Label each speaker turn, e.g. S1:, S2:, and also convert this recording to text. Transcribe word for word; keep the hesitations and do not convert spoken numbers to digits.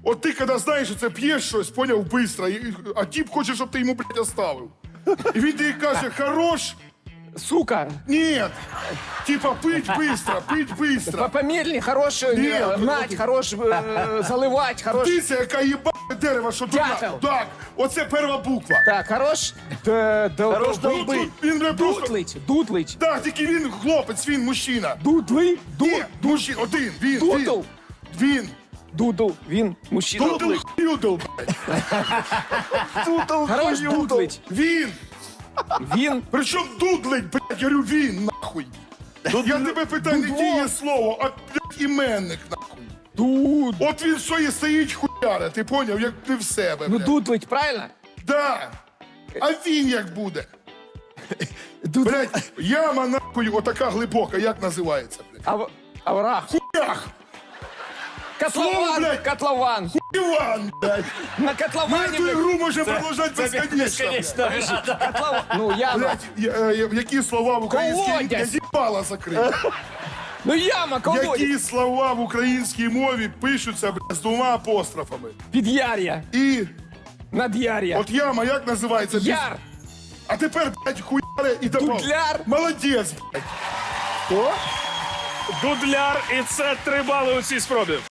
S1: От ти, коли знаєш, що це п'єш щось, поняв, быстро, і- а тіп хоче, щоб ти йому, блядь, оставив. І він тобі каже, хорош,
S2: Сука,
S1: ні. Типа, пить быстро, пить быстро.
S2: помедленнее, хорош, э,
S1: Нет,
S2: гнать,
S1: ну,
S2: хорош э, заливать, хорош...
S1: Птиця, яка їбає дерево, що тут.
S2: Дятел.
S1: Так, оце перша буква.
S2: Так, хорош... Д, д,
S3: Хорош
S2: д-
S3: долбить.
S1: Тут він не просто...
S2: Дутлить, дутлить.
S1: Так, тільки він хлопець, він мужчина.
S2: Дудли, ду,
S1: Ні, мужчина, один, він,
S2: Дудл.
S1: він. Він.
S2: дудл, він, мужчина.
S1: Дудл хюдл, блядь. Дудл
S2: Хорош
S1: хюдл.
S2: дудлить.
S1: Він.
S2: Він,
S1: Причому дудлить, блядь, я говорю, він, нахуй. Я тебе питаю, не
S2: Дудло.
S1: діє слово, а, блядь, іменник, нахуй.
S2: дуд.
S1: От він що і стоїть хуяра, ти поняв, як ти в себе,
S2: Ну,
S1: блядь.
S2: дутлить, правильно?
S1: Да. А він як буде? Блядь, яма, нахуй, отака глибока, як називається, блядь?
S2: Ав... Аврах.
S1: Хуях! Слово,
S2: Котлован,
S1: блядь.
S2: котлован.
S1: Іван, блядь!
S2: На
S1: Ми
S2: котловане,
S1: цю
S2: блядь,
S1: ігру можемо продовжати безконечно.
S3: Безконечно.
S2: котлован. Ну, яма.
S1: Блядь, я- е, які слова в українській мові?
S2: Колодязь.
S1: З'їбала закрити.
S2: Ну, яма, колодязь.
S1: Які слова в українській мові пишуться, блядь, з двома апострофами?
S2: Підяр'я,
S1: І
S2: над'яр'я.
S1: от яма як називається?
S2: Яр.
S1: А тепер, блядь, хуяре і добав.
S2: Дудляр.
S1: Молодець, блядь.
S2: О?
S3: Дудляр, і це три бали у цій спробі.